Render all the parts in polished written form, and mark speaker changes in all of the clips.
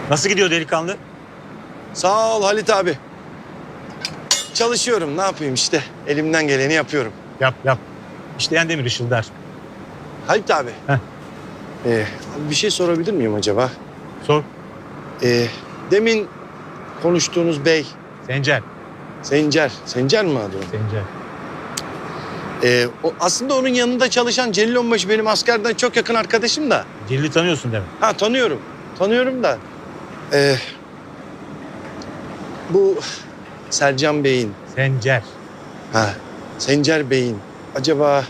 Speaker 1: Nasıl gidiyor delikanlı?
Speaker 2: Sağ ol Halit abi. Çalışıyorum, ne yapayım işte. Elimden geleni yapıyorum.
Speaker 1: Yap yap. İşleyen demir ışıldar.
Speaker 2: Halit abi.
Speaker 1: Heh.
Speaker 2: Abi bir şey sorabilir miyim acaba?
Speaker 1: Sor.
Speaker 2: Demin konuştuğunuz bey,
Speaker 1: Sencer.
Speaker 2: Sencer. Sencer mi adı o?
Speaker 1: Sencer.
Speaker 2: Aslında onun yanında çalışan Celil Onbaşı benim askerden çok yakın arkadaşım da.
Speaker 1: Celil'i tanıyorsun demek.
Speaker 2: Ha tanıyorum. Tanıyorum da. Bu Sercan Bey'in,
Speaker 1: Sencer.
Speaker 2: Sencer Bey'in acaba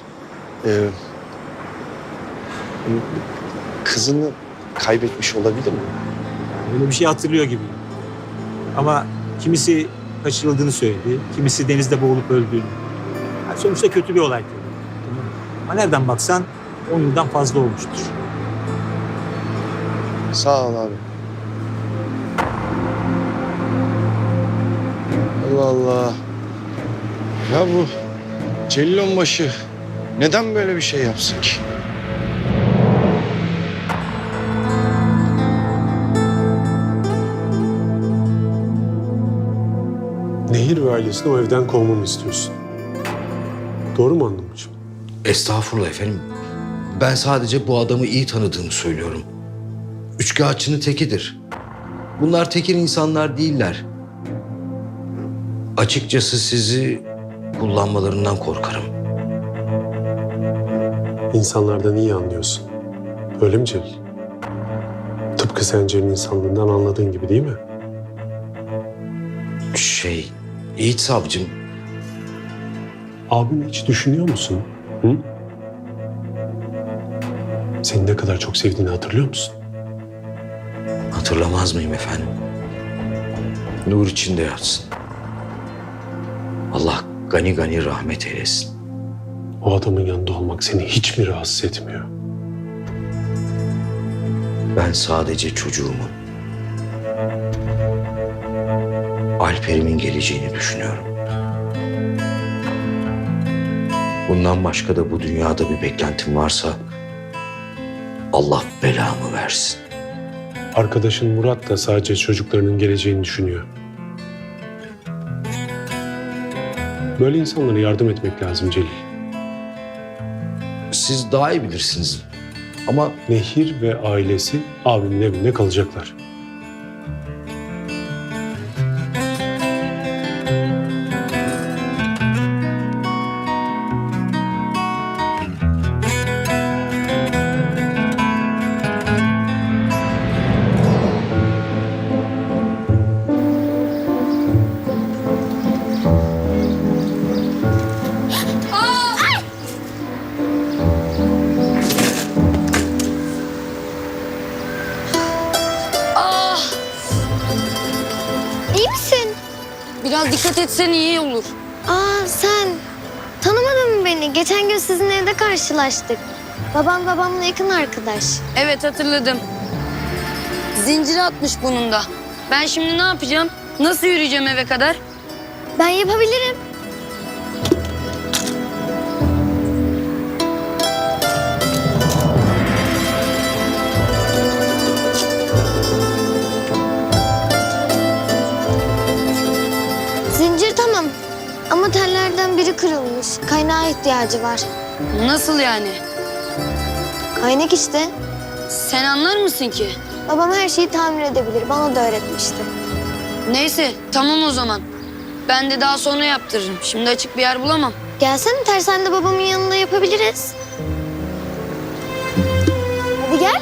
Speaker 2: kızını kaybetmiş olabilir mi?
Speaker 1: Öyle bir şey hatırlıyor gibi. Ama kimisi kaçırıldığını söyledi. Kimisi denizde boğulup öldüğünü. Yani sonuçta kötü bir olay tabii. Ama nereden baksan 10 yıldan fazla olmuştur.
Speaker 2: Sağ ol abi. Allah Allah. Ya bu Celil Onbaşı neden böyle bir şey yapsın ki?
Speaker 3: Nehir ve ailesini o evden kovmamı istiyorsun. Doğru mu anlamışım?
Speaker 4: Estağfurullah efendim. Ben sadece bu adamı iyi tanıdığımı söylüyorum. Üçkağıtçının tekidir. Bunlar tekir insanlar değiller. Açıkçası sizi kullanmalarından korkarım.
Speaker 3: İnsanlardan iyi anlıyorsun. Öyle mi Celil? Tıpkı Sencer'in insanlığından anladığın gibi değil mi?
Speaker 4: Yiğit savcım,
Speaker 3: Abimi hiç düşünüyor musun? Hı? Seni ne kadar çok sevdiğini hatırlıyor musun?
Speaker 4: hatırlamaz mıyım efendim? Nur içinde yatsın. Allah gani gani rahmet eylesin.
Speaker 3: O adamın yanında olmak seni hiç mi rahatsız etmiyor?
Speaker 4: Ben sadece çocuğumun, Alper'imin geleceğini düşünüyorum. Bundan başka da bu dünyada bir beklentim varsa Allah belamı versin.
Speaker 3: Arkadaşın Murat da sadece çocuklarının geleceğini düşünüyor. Böyle insanlara yardım etmek lazım Celil.
Speaker 4: Siz daha iyi bilirsiniz ama
Speaker 3: Nehir ve ailesi abimin evinde kalacaklar.
Speaker 5: İyi misin?
Speaker 6: Biraz dikkat etsen iyi olur.
Speaker 5: Sen tanımadın mı beni? Geçen gün sizin evde karşılaştık. Babam babamla yakın arkadaş.
Speaker 6: Evet hatırladım. Zinciri atmış bunun da. Ben şimdi ne yapacağım? Nasıl yürüyeceğim eve kadar?
Speaker 5: Ben yapabilirim. Zincir tamam. Ama tellerden biri kırılmış. Kaynağa ihtiyacı var.
Speaker 6: Nasıl yani?
Speaker 5: Kaynak işte.
Speaker 6: Sen anlar mısın ki?
Speaker 5: Babam her şeyi tamir edebilir. Bana da öğretmişti.
Speaker 6: Neyse tamam o zaman. Ben de daha sonra yaptırırım. Şimdi açık bir yer bulamam.
Speaker 5: Gelsene tersanede babamın yanında yapabiliriz. Hadi gel.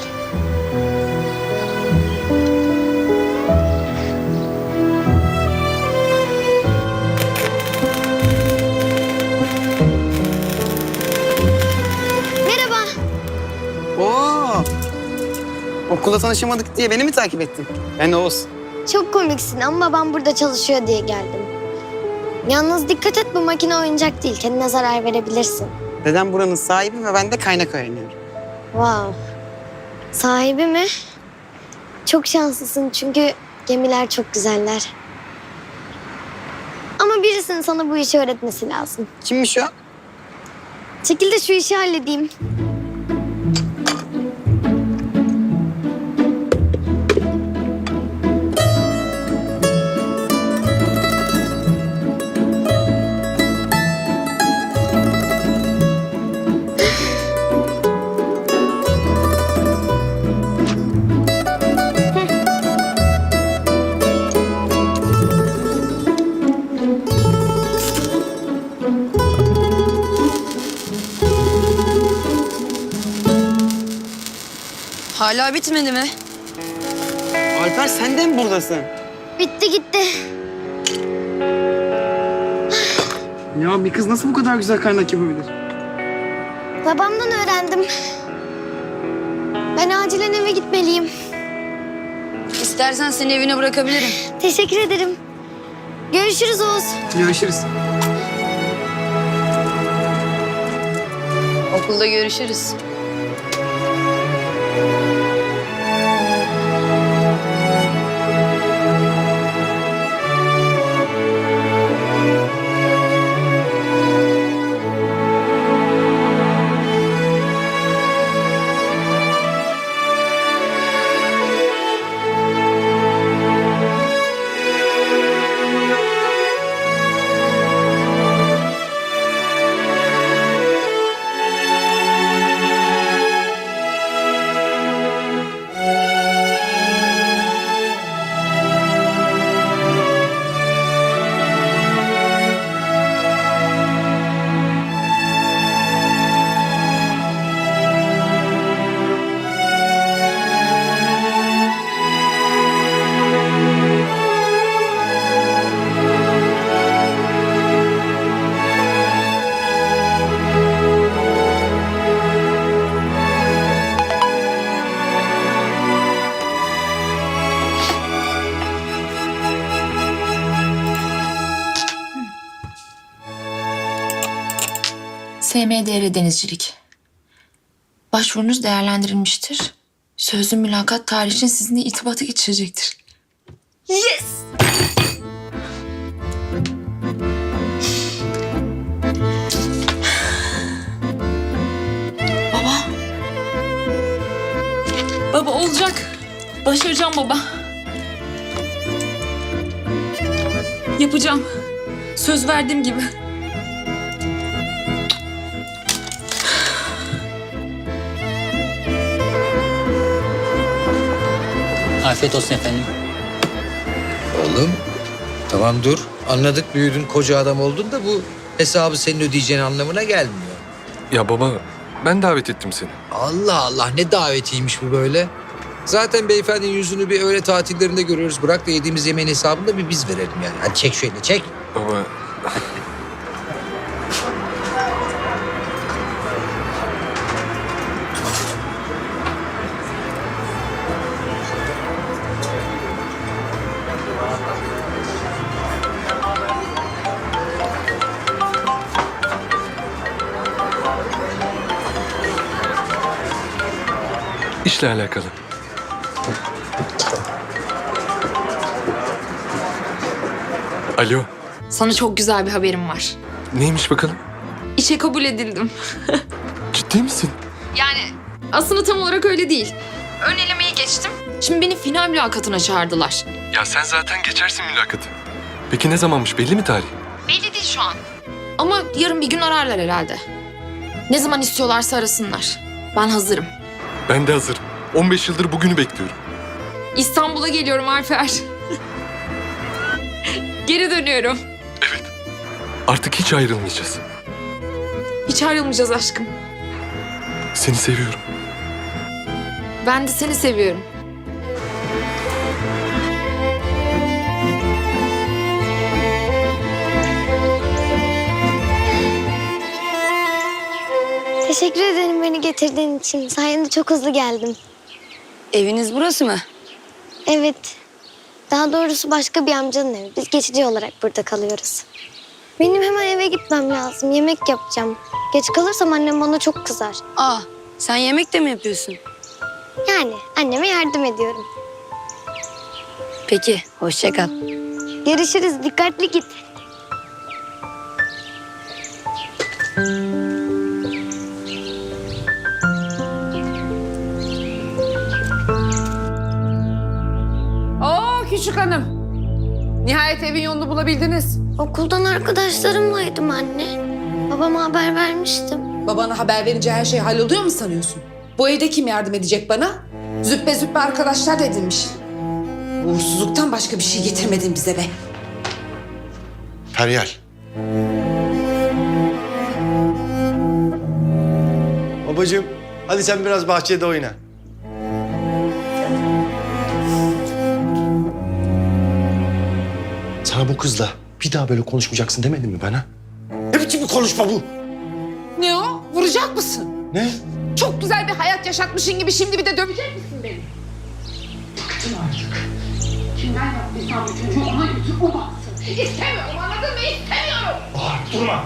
Speaker 5: Merhaba.
Speaker 7: Oo. Okulda tanışamadık diye beni mi takip ettin? Ben Oğuz.
Speaker 5: Çok komiksin ama babam burada çalışıyor diye geldim. Yalnız dikkat et, bu makine oyuncak değil. Kendine zarar verebilirsin.
Speaker 7: Dedem buranın sahibi ve ben de kaynak öğreniyorum.
Speaker 5: Wow. Sahibi mi? Çok şanslısın çünkü gemiler çok güzeller. Ama birisinin sana bu işi öğretmesi lazım.
Speaker 7: Kimmiş o?
Speaker 5: Çekil de şu işi halledeyim.
Speaker 6: Hala bitmedi mi?
Speaker 7: Alper sen de mi buradasın?
Speaker 5: Bitti gitti.
Speaker 7: Ya bir kız nasıl bu kadar güzel kaynak yapabilir?
Speaker 5: Babamdan öğrendim. Ben acilen eve gitmeliyim.
Speaker 6: İstersen seni evine bırakabilirim.
Speaker 5: Teşekkür ederim. Görüşürüz Oğuz.
Speaker 7: Görüşürüz.
Speaker 6: Okulda görüşürüz.
Speaker 8: SMDR Denizcilik. Başvurunuz değerlendirilmiştir. Sözlü mülakat tarihi için sizinle irtibata geçirecektir.
Speaker 6: Yes!
Speaker 8: Baba. Baba olacak. Başaracağım baba. Yapacağım. Söz verdiğim gibi.
Speaker 9: Afiyet olsun efendim.
Speaker 4: Oğlum tamam dur. Anladık büyüdün koca adam oldun da bu hesabı senin ödeyeceğin anlamına gelmiyor.
Speaker 10: Ya baba ben davet ettim seni.
Speaker 4: Allah Allah ne davetiymiş bu böyle. Zaten beyefendinin yüzünü bir öğle tatillerinde görüyoruz. Bırak da yediğimiz yemeğin hesabını da bir biz verelim yani. Hadi çek şöyle çek.
Speaker 10: Baba işle alakalı. Alo,
Speaker 8: Sana çok güzel bir haberim var.
Speaker 10: neymiş bakalım?
Speaker 8: İşe kabul edildim.
Speaker 10: Ciddi misin?
Speaker 8: Yani aslında tam olarak öyle değil. Ön elemeyi geçtim. Şimdi beni final mülakatına çağırdılar.
Speaker 10: Ya sen zaten geçersin mülakatı. Peki ne zamanmış, belli mi tarih?
Speaker 8: Belli değil şu an. Ama yarın bir gün ararlar herhalde. Ne zaman istiyorlarsa arasınlar. Ben hazırım.
Speaker 10: Ben de hazırım. 15 yıldır bugünü bekliyorum.
Speaker 8: İstanbul'a geliyorum Alper. Geri dönüyorum.
Speaker 10: Evet. Artık hiç ayrılmayacağız.
Speaker 8: Hiç ayrılmayacağız aşkım.
Speaker 10: Seni seviyorum.
Speaker 8: Ben de seni seviyorum.
Speaker 5: Teşekkür ederim beni getirdiğin için. Sayende çok hızlı geldim.
Speaker 6: Eviniz burası mı?
Speaker 5: Evet. Daha doğrusu başka bir amcanın evi. Biz geçici olarak burada kalıyoruz. Benim hemen eve gitmem lazım. Yemek yapacağım. Geç kalırsam annem bana çok kızar.
Speaker 6: Aa, sen yemek de mi yapıyorsun?
Speaker 5: Yani anneme yardım ediyorum.
Speaker 6: Peki, hoşça kal.
Speaker 5: Görüşürüz. Dikkatli git.
Speaker 11: Oo küçük hanım. Nihayet evin yolunu bulabildiniz.
Speaker 5: Okuldan arkadaşlarımlaydım anne. Babama haber vermiştim.
Speaker 11: Babana haber verince her şey halloluyor mu sanıyorsun? Bu evde kim yardım edecek bana? Züppe züppe arkadaşlar da edinmiş. Uğursuzluktan başka bir şey getirmedin bize be.
Speaker 2: Feryal. Babacığım hadi sen biraz bahçede oyna. Sana bu kızla bir daha böyle konuşmayacaksın demedim mi bana? Ne biçim bir konuşma bu?
Speaker 11: Ne o? Vuracak mısın?
Speaker 2: Ne?
Speaker 11: Çok güzel bir hayat yaşatmışın gibi şimdi bir de dövecek misin beni? Bıktım artık. Kimden yaptıysam bu çocuğu ona götür o baksın. İstemiyorum, anladın mı? İstemiyorum.
Speaker 2: Durma.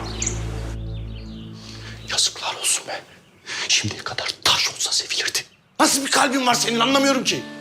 Speaker 2: Yazıklar olsun be. Şimdiye kadar taş olsa sevilirdi. Nasıl bir kalbin var senin anlamıyorum ki.